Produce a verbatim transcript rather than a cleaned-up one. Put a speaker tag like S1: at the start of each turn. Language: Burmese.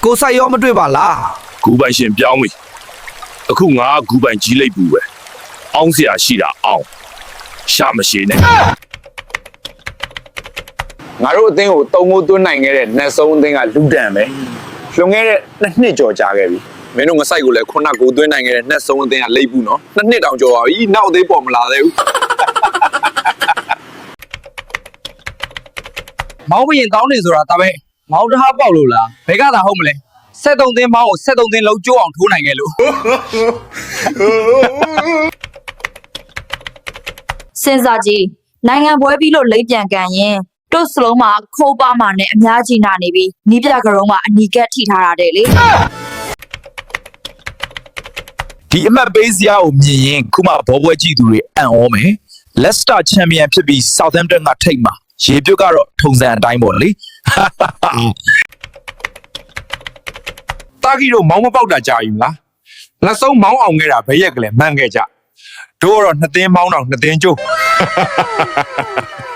S1: ကိုဆိုင်ရောမတွေ့ပါလား
S2: ဂူပိုင်ရှင်ပြောင်းပြီအခုငါဂူပိုင်ကြီးလိုက်ဘူးပဲအောင်းเสียရှိတာအောင်းရှာမရှိနဲ့
S3: ငါတို့အသင်းကိုတုံမိုးသွင်းနိုင်ခဲ့တဲ့နတ်ဆုံးအသင်းကလူတန်ပဲလွန်ခဲ့တဲ့နှစ်နှစ်ကျော်ကြာခဲ့ပြီမင်းတို့ငဆိုင်ကိုလည်းခုနကကိုသွင်းနိုင်ခဲ့တဲ့နတ်ဆုံးအသင်းကလိပ်ဘူးနော်နှစ်နှစ်တောင်ကျော်ပါပြီနောက်အသေးပေါ်မလာသေးဘူး
S4: မောင်းဘရင်ကောင်းနေဆိုတာဒါပဲမောင်းတဟားပေါက်လို့လားဘယ်ကသာဟုတ်မလဲဆက်သုံးသင်းမောင်းကိုဆက်သုံးသင်းလုံးကျိုးအောင်ထိုးနိုင်ခဲ့လို့
S5: စဉ်းစားကြည့်နိုင်ငံပွဲပြီးလို့လိမ့်ပြန်ကန်ရင်တို့စလုံးမှာခိုးပါမှာနဲ့အများကြီးနာနေပြီနီးပြကရုံးမှာအနီကက်ထိထားတာတဲ့လေ
S1: ဒီအမှတ်ပေးစရာကိုမြင်ရင်ခုမှဘောပွဲကြည့်သူတွေအံ့ဩမယ် Leicester Champion ဖြစ်ပြီး Southampton ကထိတ်မှာရေပြုတ်ကတော့ထုံစံအတိုင်းပေါ့လေ
S6: တာဂီတို့မောင်းမပေါက်တာကြာပြီမလားလက်ဆုံးမောင်းအောင်ခဲ့တာဘယ်ရက်ကလေးမှန်ခဲ့ကြတို့ကတော့နှစ်သင်းမောင်းတော့နှစ်သင်းကျိုး